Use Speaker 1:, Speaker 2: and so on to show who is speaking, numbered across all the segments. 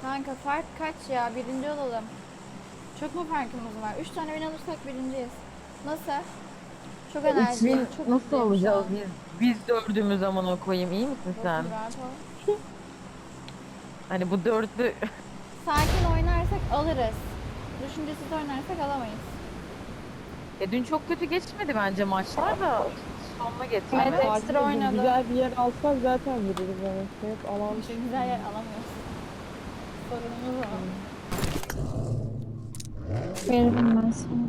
Speaker 1: Kanka fark kaç ya? Birinci olalım. Çok mu farkımız var? 3 tane win alırsak birinciyiz. Nasıl? Çok enerjiyim.
Speaker 2: 3000
Speaker 1: Çok
Speaker 2: nasıl
Speaker 1: mutluyum şu
Speaker 2: alacağız
Speaker 1: an.
Speaker 2: biz dördümüz zamana koyayım, iyi misin
Speaker 1: Dostum
Speaker 2: sen?
Speaker 1: rahat ol.
Speaker 2: Hani bu dörtlü
Speaker 1: Sakin oynarsak alırız. Düşüncesiz oynarsak alamayız.
Speaker 2: dün çok kötü geçmedi bence maçlar da sonuna
Speaker 1: Evet,
Speaker 2: getirdi.
Speaker 1: ekstra oynadı.
Speaker 3: Güzel bir yer alsak zaten vururuz ama hep alan
Speaker 1: İşte güzel yer alamıyoruz. Sorunumuz o.
Speaker 4: Veririm ben sana.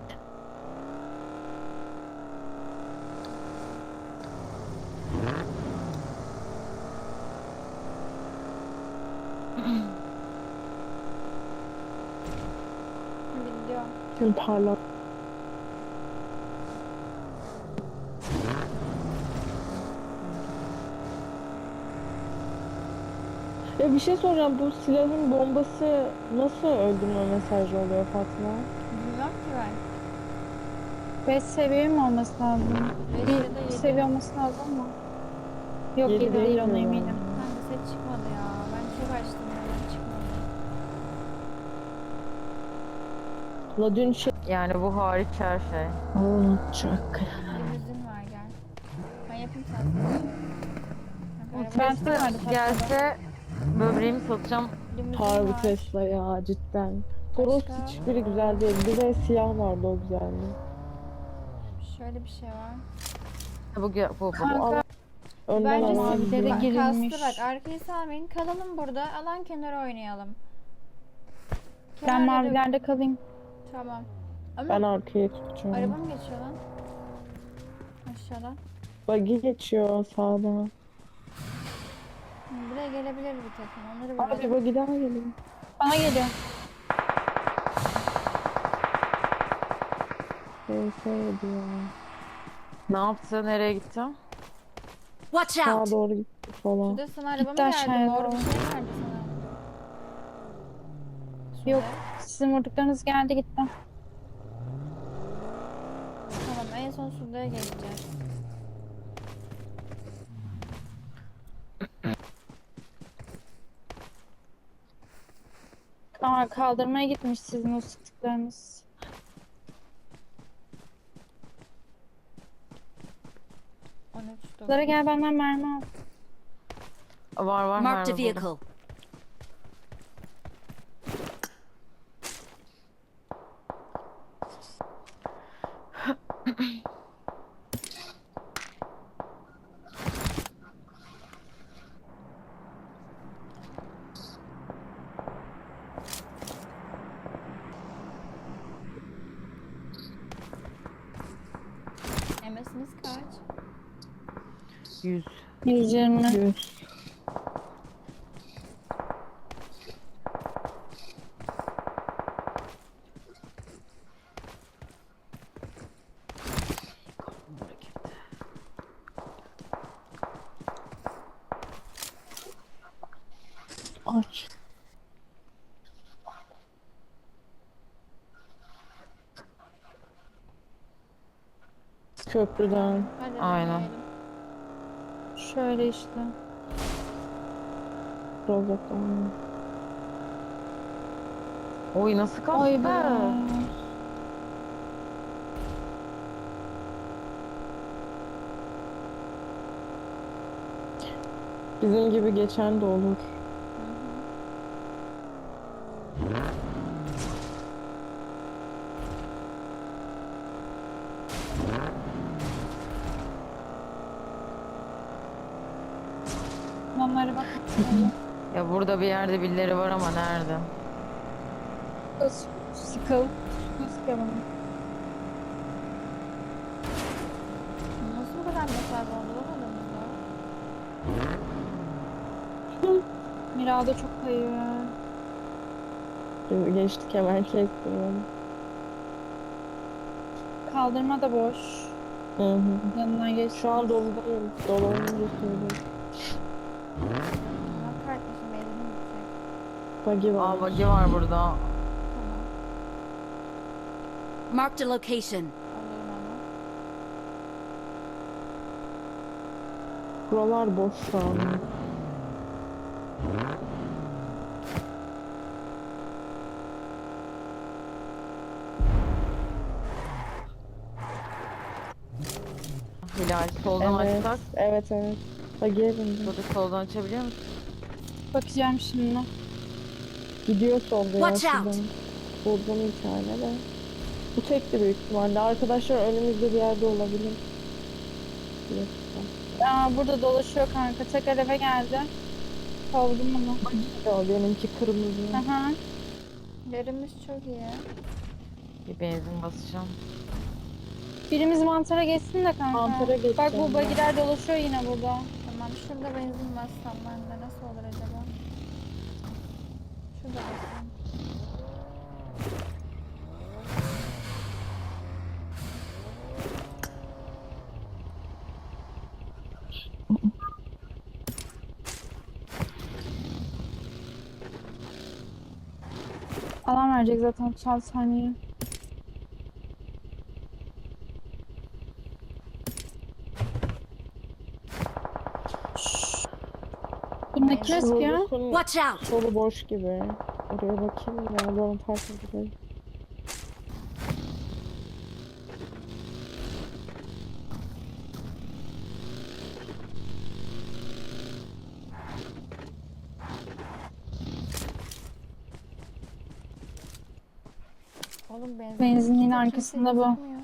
Speaker 1: Biliyorum.
Speaker 3: tüm parlak. Ya bir şey soracağım, bu silahın bombası nasıl öldürme mesajı oluyor Fatma?
Speaker 1: Bilmem ki ben.
Speaker 4: 5 seviye mi olması lazım?
Speaker 1: 5 ya da
Speaker 4: Bir
Speaker 1: 7.
Speaker 4: seviye olması lazım mı? Yok
Speaker 3: Yedi
Speaker 4: 7 değil, ona
Speaker 3: mi
Speaker 4: eminim.
Speaker 3: yani?
Speaker 1: Kanka set çıkmadı ya. Ben çok açtım ya. Çıkmadı.
Speaker 3: La dün şey...
Speaker 2: Yani bu hariç her şey.
Speaker 3: Olacak.
Speaker 1: Limuzin var gel. Ben yapayım sen. Kanka, araba
Speaker 4: Ben
Speaker 2: Tesla
Speaker 4: vardı
Speaker 2: gelse böbreğimi satacağım.
Speaker 1: limuzin
Speaker 3: Harbi
Speaker 1: var.
Speaker 3: Tesla ya cidden. Toros
Speaker 1: Başka?
Speaker 3: hiçbiri güzel değil. Bir de siyah vardı, o güzeldi.
Speaker 1: Şöyle bir şey var.
Speaker 2: Bu.
Speaker 4: Kanka
Speaker 3: Önden
Speaker 1: Bence
Speaker 3: alan
Speaker 4: mavilere
Speaker 3: gidiyor.
Speaker 4: girilmiş.
Speaker 1: kastı bak arkayı salmayın. Kalalım burada. Alan kenarı oynayalım.
Speaker 4: Ben
Speaker 1: Kenarda da-
Speaker 4: mavilerde kalayım.
Speaker 1: Tamam. Ama
Speaker 3: Ben arkaya tutacağım.
Speaker 1: araba mı geçiyor lan? Aşağıdan.
Speaker 3: Buggy geçiyor sağdan.
Speaker 1: Buraya gelebilir bir takım. Onları
Speaker 3: Abi
Speaker 1: vuralım.
Speaker 3: buggy daha geliyor.
Speaker 4: Bana geliyor.
Speaker 3: PS diyor.
Speaker 2: Ne yaptı? Nereye gitti?
Speaker 5: Watch
Speaker 3: Sağa
Speaker 5: out!
Speaker 3: doğru gitti falan.
Speaker 1: Şurada sana araba mı
Speaker 4: Gitti
Speaker 1: geldi?
Speaker 4: aşağıya
Speaker 1: Mor bir
Speaker 4: doğru.
Speaker 1: şey geldi sana.
Speaker 4: Yok.
Speaker 1: Şurada.
Speaker 4: Sizin vurduklarınız geldi gitti.
Speaker 1: Tamam en son Suda'ya geleceğiz.
Speaker 4: Aa, kaldırmaya gitmiş sizin o sıktıklarınız. Lara
Speaker 1: 13
Speaker 4: gel benden mermi al.
Speaker 2: Var
Speaker 5: Marked a
Speaker 2: merhaba burada.
Speaker 5: vehicle.
Speaker 1: MS'iniz kaç?
Speaker 2: 100.
Speaker 4: 120.
Speaker 3: 100. Aç. Köprüden.
Speaker 1: Hadi
Speaker 2: Aynen.
Speaker 1: deneyelim.
Speaker 4: Şöyle işte.
Speaker 3: Rozok'tan.
Speaker 2: Oy nasıl kastı?
Speaker 4: Oy be.
Speaker 3: Bizim gibi geçen de olur.
Speaker 4: Onlara bak.
Speaker 2: Ya burada bir yerde birileri var ama nerede?
Speaker 4: Sıkıl. Sıkılım.
Speaker 1: Nasıl bu kadar mesafe oldu aramızda?
Speaker 4: Mirada çok kayıyor.
Speaker 3: Şimdi geçtik, hemen kestim onu.
Speaker 4: Kaldırma da boş.
Speaker 3: Hı hı.
Speaker 4: Yanından geç.
Speaker 3: Şu an doludayım. Dolu olunca söyleyeyim.
Speaker 1: Allah kahretmesin benzinim bitecek.
Speaker 3: Buggy var.
Speaker 2: Aa buggy var burada.
Speaker 1: Tamam.
Speaker 5: Marked a location.
Speaker 1: Alırım onu.
Speaker 3: Buralar boş şu an.
Speaker 2: Hilal soldan
Speaker 3: Evet,
Speaker 2: açsak.
Speaker 3: evet, evet. Bagiye bindim.
Speaker 2: Burada soldan açabiliyor musun?
Speaker 4: Bakacağım şimdi.
Speaker 3: Gidiyor solda ya
Speaker 5: Watch out.
Speaker 3: şuradan. Buldum bir tane de. Bu tekti büyük ihtimalle. Arkadaşlar önümüzde bir yerde olabilir. Yok.
Speaker 4: Aa, burada dolaşıyor kanka. Tekrar eve geldi. Kovdum onu.
Speaker 3: O benimki kırmızı.
Speaker 4: Aha.
Speaker 1: Yerimiz çok iyi.
Speaker 2: Bir benzin basacağım.
Speaker 4: Birimiz mantara geçsin de kanka.
Speaker 3: Mantara geçeceğim
Speaker 4: Bak bu
Speaker 3: ben.
Speaker 4: bagiler dolaşıyor yine burada.
Speaker 1: Tamam şurada benzin bassam ben de nasıl olur acaba? Şurada bassam.
Speaker 4: Alan verecek zaten 36 saniye. Bunda kim sıkıyor?
Speaker 3: Rozosun
Speaker 5: Watch out!
Speaker 3: solu boş gibi. Oraya bakayım ya. Bana fark edecek.
Speaker 1: Oğlum
Speaker 4: Benzinliğin
Speaker 1: kimse
Speaker 4: arkasında bu.
Speaker 1: gözükmüyor.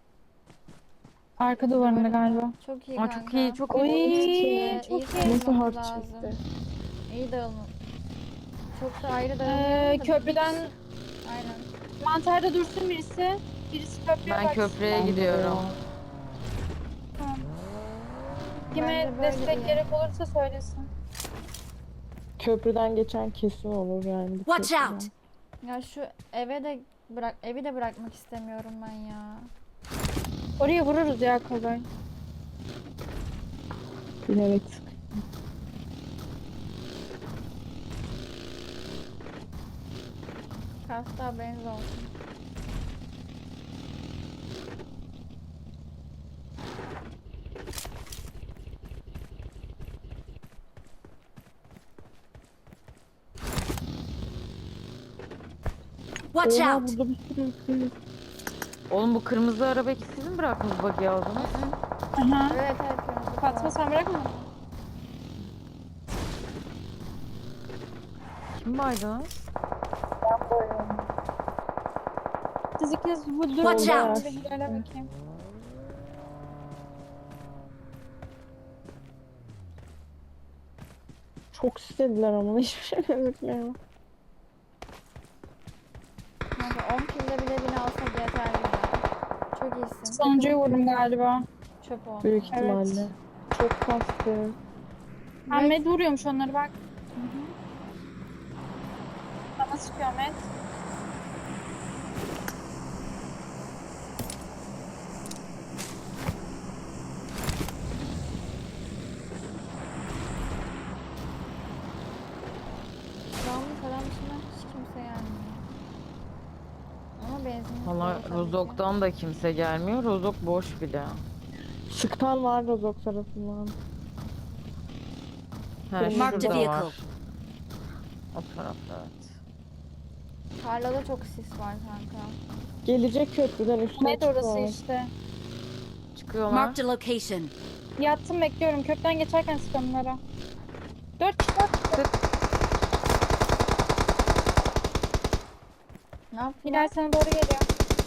Speaker 4: Arka duvarında galiba.
Speaker 1: Çok iyi
Speaker 2: Aa,
Speaker 1: kanka.
Speaker 2: çok iyi, çok
Speaker 4: Oy,
Speaker 2: iyi.
Speaker 4: çok
Speaker 1: iyi
Speaker 4: iyi.
Speaker 3: Nasıl
Speaker 1: dağılmamız
Speaker 3: hard
Speaker 1: lazım.
Speaker 3: çıktı?
Speaker 1: İyi dağılma. Çok da ayrı dağılmayalım da
Speaker 4: Köprüden
Speaker 1: aynen.
Speaker 4: mantarda dursun birisi. Birisi köprüye
Speaker 2: Ben
Speaker 4: baksın.
Speaker 2: köprüye gidiyorum.
Speaker 4: Tamam. Kime
Speaker 1: Bence böyle
Speaker 4: destek
Speaker 1: iyi.
Speaker 4: gerek olursa söylesin.
Speaker 3: Köprüden geçen kesin olur yani. bu
Speaker 5: Watch
Speaker 3: köprüden.
Speaker 5: out!
Speaker 1: Ya şu evi de bırakmak istemiyorum ben ya.
Speaker 4: Oraya vururuz ya kolay.
Speaker 3: Bilerek sık.
Speaker 1: Kasta benz olsun.
Speaker 5: Watch
Speaker 3: Oha,
Speaker 5: out!
Speaker 3: burada bir sürü kız.
Speaker 2: Oğlum bu kırmızı arabayı siz mi bıraktınız bug'i aldınız?
Speaker 4: Aha.
Speaker 1: Evet kırmızı
Speaker 4: Fatma
Speaker 1: falan.
Speaker 4: sen bırakma.
Speaker 2: Kim baydınız?
Speaker 4: Siz ikiniz bu durun.
Speaker 5: Watch
Speaker 4: Ben
Speaker 5: out.
Speaker 4: bir Hilal'e bakayım.
Speaker 3: Çok istediler ama hiçbir şey gözükmüyor.
Speaker 1: Kanka 10 kilde bile beni alsak yeterli ya. Çok iyisin.
Speaker 4: Sonuncuyu vurdum galiba.
Speaker 1: Çöp oldu.
Speaker 3: Büyük ihtimalle.
Speaker 4: Evet.
Speaker 3: Çok kastı.
Speaker 4: Ahmet vuruyormuş onları bak. Bana sıkıyor Ahmet.
Speaker 1: Yağmur falan dışında hiç kimse gelmiyor. Ama benzin
Speaker 2: Valla
Speaker 1: dolu tabii ki.
Speaker 2: Rozok'tan da kimse gelmiyor. Rozok boş bile.
Speaker 3: Sıkan var Rozok tarafından.
Speaker 2: He
Speaker 5: Marked a
Speaker 2: şurada
Speaker 5: vehicle.
Speaker 2: var. O tarafta evet.
Speaker 1: Tarlada çok sis var kanka.
Speaker 3: Gelecek köprüden üstüne
Speaker 4: Ahmet orası
Speaker 3: çıkıyor.
Speaker 4: işte.
Speaker 2: Çıkıyorlar.
Speaker 5: Marked a location.
Speaker 4: Yattım bekliyorum. Köprüden geçerken sık onlara. 4 kişi var.
Speaker 1: Ne yaptın?
Speaker 4: Hilal sana doğru geliyor.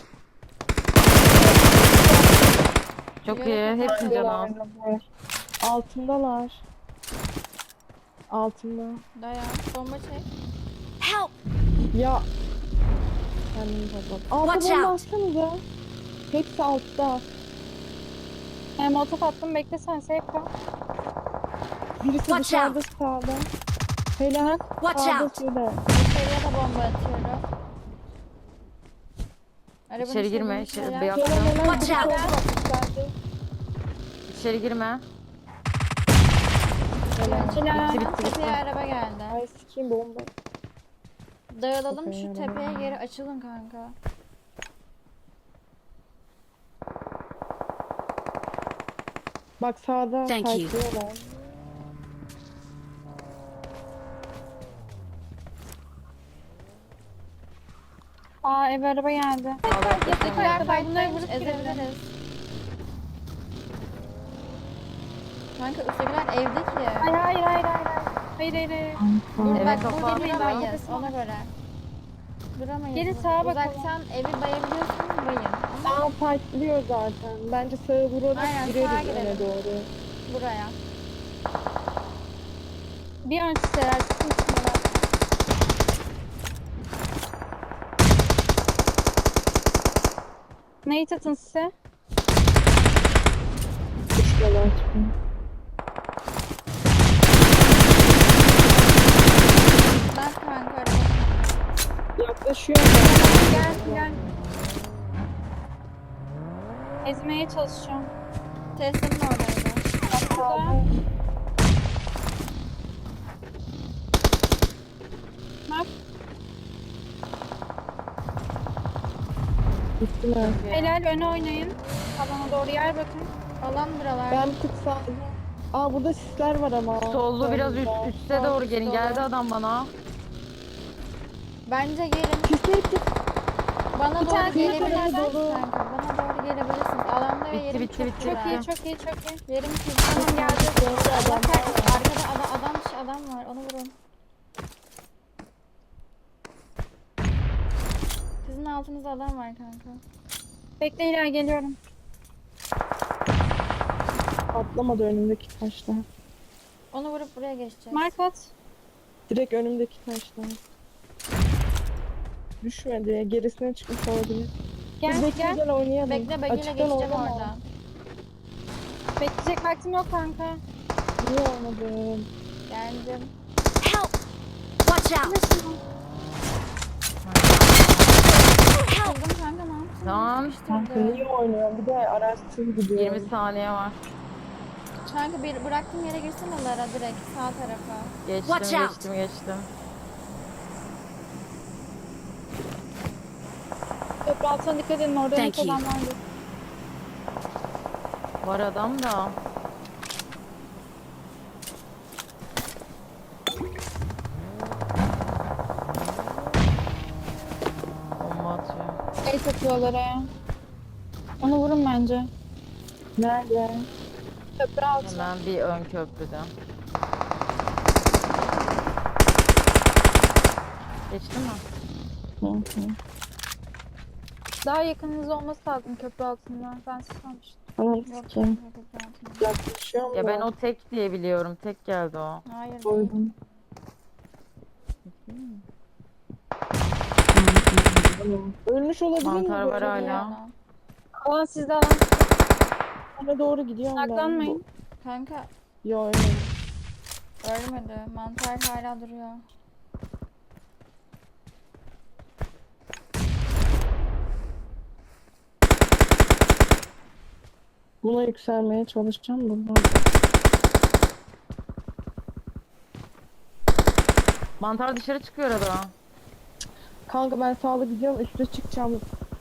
Speaker 2: Çok iyi. Hepsi canı.
Speaker 3: Altındalar. Altında.
Speaker 1: Dayan. Bomba çek.
Speaker 5: Help!
Speaker 3: Ya. Kendimi kapat. Altta
Speaker 5: Watch
Speaker 3: bomba
Speaker 5: out.
Speaker 3: atsanıza. Hepsi altta.
Speaker 4: Molotof attım beklesen safe kal.
Speaker 3: Birisi
Speaker 5: Watch
Speaker 3: dışarıda
Speaker 5: out.
Speaker 3: sağda. Helal.
Speaker 5: Watch
Speaker 3: Sağda
Speaker 5: out.
Speaker 3: şurada.
Speaker 1: İçeriye de bomba atıyorum. Arabanın
Speaker 2: İçeri girme.
Speaker 1: içine
Speaker 2: İçeri
Speaker 1: şeyler-
Speaker 2: beyaz.
Speaker 3: Helal helal.
Speaker 5: Watch
Speaker 3: Biri
Speaker 5: out.
Speaker 3: solda bakmışlardı.
Speaker 2: İçeri girme.
Speaker 4: Hilal.
Speaker 2: Bitti, bitti,
Speaker 1: Tepeye araba geldi.
Speaker 3: Ay sikeyim bomba.
Speaker 1: Dağılalım
Speaker 3: Tepeye
Speaker 1: şu
Speaker 3: araba
Speaker 1: tepeye
Speaker 3: geldi.
Speaker 1: geri açılın kanka.
Speaker 3: Bak sağda
Speaker 5: Thank you.
Speaker 3: fightlıyorlar.
Speaker 4: Aa eve araba geldi.
Speaker 1: Teşekkürler
Speaker 4: Bunları
Speaker 1: fightlaymış
Speaker 4: vurup girelim.
Speaker 1: ezebiliriz. Kanka üsttekiler evde ki.
Speaker 4: Hayır hayır hayır hayır. Hayır hayır hayır.
Speaker 1: Dur
Speaker 2: Eve
Speaker 1: bak
Speaker 2: kafa
Speaker 1: burada
Speaker 2: atma.
Speaker 1: duramayız ona göre. Duramayız.
Speaker 4: Geri
Speaker 1: burada.
Speaker 4: sağa bakalım.
Speaker 1: Uzaktan evi bayabiliyorsun bayın.
Speaker 3: Sağ fightlıyor zaten. Bence sağa vurarak
Speaker 1: Aynen, sağa
Speaker 3: gireriz öne
Speaker 1: girelim.
Speaker 3: doğru.
Speaker 1: Buraya.
Speaker 4: Bir ön siteler çıkın üstüne. Neyi atın size?
Speaker 3: Düşmeler çıkıyor.
Speaker 1: Bak kanka araba.
Speaker 3: Yaklaşıyor.
Speaker 4: Gel gel. Ezmeye çalışacağım.
Speaker 1: Tesla'nın oradaydı.
Speaker 4: Burada. Bak.
Speaker 3: Gittiler.
Speaker 4: Helal öne oynayın. Alana doğru yer bakın.
Speaker 1: Alan buralar.
Speaker 3: Ben bir tık sağda. Aa burada sisler var ama.
Speaker 2: Sollu biraz üste doğru gelin.
Speaker 1: Dolu.
Speaker 2: Geldi adam bana.
Speaker 1: Bence gelin.
Speaker 3: Sisler
Speaker 1: Bana doğru
Speaker 4: tane
Speaker 1: gelebilirsiniz
Speaker 3: dolu.
Speaker 1: kanka. Bana doğru gelebilirsiniz. Alanda ve
Speaker 2: Bitti,
Speaker 1: yerim
Speaker 2: bitti,
Speaker 1: çok
Speaker 2: bitti.
Speaker 1: güzel.
Speaker 4: Çok iyi çok iyi çok iyi.
Speaker 1: Yerim çok
Speaker 4: Tamam
Speaker 1: güzel.
Speaker 4: geldi.
Speaker 1: Allah kahretsin. Arkada adam var. Onu vurun. Sizin altınızda adam var kanka.
Speaker 4: Bekle Hilal geliyorum.
Speaker 3: atlamadı önümdeki taşlar.
Speaker 1: Onu vurup buraya geçeceğiz.
Speaker 4: Mark at.
Speaker 3: Direkt önümdeki taşlar. Düşmedi. Gerisine çıkmış olabilir.
Speaker 4: Gel
Speaker 3: Bekle
Speaker 4: gel.
Speaker 3: gel oynayalım.
Speaker 1: Bekle bagiyle
Speaker 3: Açıktan
Speaker 1: geçeceğim
Speaker 3: oynama.
Speaker 1: oradan.
Speaker 4: Bekleyecek vaktim yok kanka.
Speaker 3: Niye olmadı?
Speaker 1: Geldim.
Speaker 5: Help! Watch out!
Speaker 1: Kıldım kanka ne yaptın?
Speaker 2: Tamam.
Speaker 3: Kanka
Speaker 1: Sıkıştırdı.
Speaker 3: niye oynuyorum? Bir de araçsız gidiyorum.
Speaker 2: 20 saniye var.
Speaker 1: Kanka bir bıraktığım yere girsene Lara direkt sağ tarafa.
Speaker 2: Geçtim
Speaker 5: Watch out.
Speaker 2: geçtim.
Speaker 4: Köprü altına dikkat edin orada
Speaker 5: Thank
Speaker 4: net
Speaker 5: you.
Speaker 4: adam vardı.
Speaker 2: Var adam da. Bomba atıyor.
Speaker 4: El takıyorlar ya. Onu vurun bence.
Speaker 3: Nerede?
Speaker 4: Köprü altı.
Speaker 2: Hemen bir ön köprüde. Geçti mi?
Speaker 3: Hı hı.
Speaker 4: Daha yakınınız olması lazım köprü altında. Ben sanmıştım.
Speaker 3: Anam
Speaker 1: Yok
Speaker 3: sikeyim.
Speaker 1: kanka köprü altında.
Speaker 3: Yaklaşıyorum
Speaker 2: Ya
Speaker 3: da.
Speaker 2: ben o tek diye biliyorum. Tek geldi o.
Speaker 1: Hayır değil.
Speaker 3: Koydum. Ölmüş olabilir mi?
Speaker 2: Mantar
Speaker 3: bu
Speaker 2: var
Speaker 3: arada?
Speaker 2: hala.
Speaker 1: Yana.
Speaker 4: Alan sizde alan.
Speaker 3: Ona doğru gidiyorum ben.
Speaker 4: Saklanmayın.
Speaker 1: Kanka
Speaker 3: Yo öyle.
Speaker 1: ölmedi. Mantar hala duruyor.
Speaker 3: Buna yükselmeye çalışacağım buradan.
Speaker 2: Mantar dışarı çıkıyor arada.
Speaker 3: Kanka ben sağlı gidiyorum üste çıkacağım.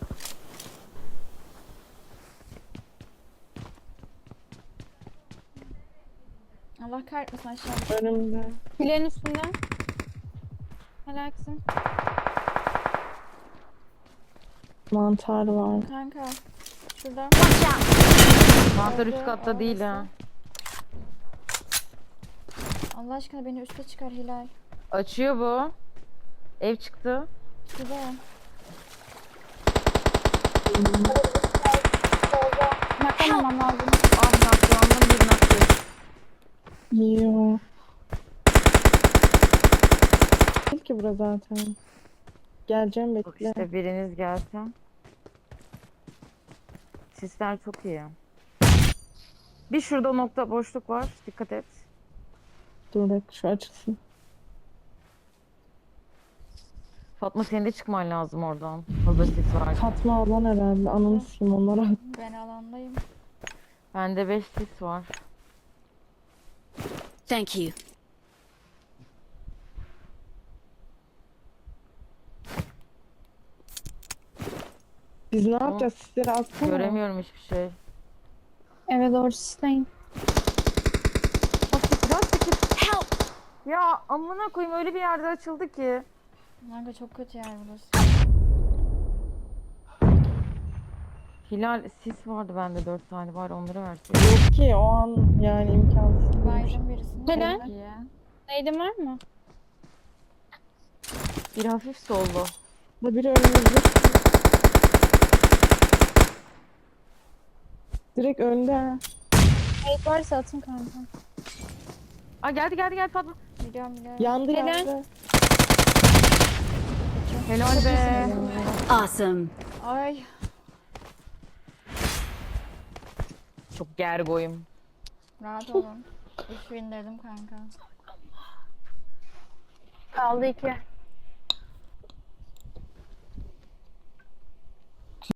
Speaker 1: Allah kahretmesin aşağı.
Speaker 3: Önümde.
Speaker 4: Filerin üstünde. Helal kızım.
Speaker 3: Mantar var.
Speaker 1: Kanka. Şurada.
Speaker 5: Watch out!
Speaker 2: Mantar
Speaker 1: Orada,
Speaker 2: üst katta değil ha.
Speaker 1: Allah aşkına beni üste çıkar Hilal.
Speaker 2: Açıyor bu. Ev çıktı.
Speaker 1: Şurada.
Speaker 4: Naklamamam lazım.
Speaker 2: Ah naklandım bir naklı.
Speaker 3: Yiyor. Değil ki bura zaten. Geleceğim
Speaker 2: Bak
Speaker 3: bekle.
Speaker 2: işte biriniz gelse. Sisler çok iyi. Bir şurada nokta boşluk var. Dikkat et.
Speaker 3: Dur bak şu açılsın.
Speaker 2: Fatma senin de çıkman lazım oradan. Fazla sis var.
Speaker 3: Fatma ablan herhalde. Ananı sikeyim onlara.
Speaker 1: Ben alandayım.
Speaker 2: Bende 5 sis var.
Speaker 5: Thank you.
Speaker 3: Biz ne yapacağız? Sizleri atsana.
Speaker 2: Göremiyorum hiçbir şey.
Speaker 4: Eve doğru sisleyin.
Speaker 5: Help!
Speaker 2: Ya amına koyayım öyle bir yerde açıldı ki.
Speaker 1: Kanka çok kötü yer burası.
Speaker 2: Hilal sis vardı bende 4 tane var onları versin.
Speaker 3: Yok ki o an yani imkansız.
Speaker 1: Baydım birisini.
Speaker 4: Hele.
Speaker 2: Çok iyi.
Speaker 4: Neydin var mı?
Speaker 2: Bir hafif sollu.
Speaker 3: Da biri önümüzde. Direkt önde ha.
Speaker 4: Neydi varsa atın kanka.
Speaker 2: Aa geldi Fatma.
Speaker 1: Biliyorum biliyorum.
Speaker 3: Yandı
Speaker 4: Helal.
Speaker 3: yandı.
Speaker 2: Helal be.
Speaker 5: Awesome.
Speaker 1: Ay.
Speaker 2: Çok gergoyum.
Speaker 1: Rahat olun. 3000 dedim kanka.
Speaker 4: Kaldı 2.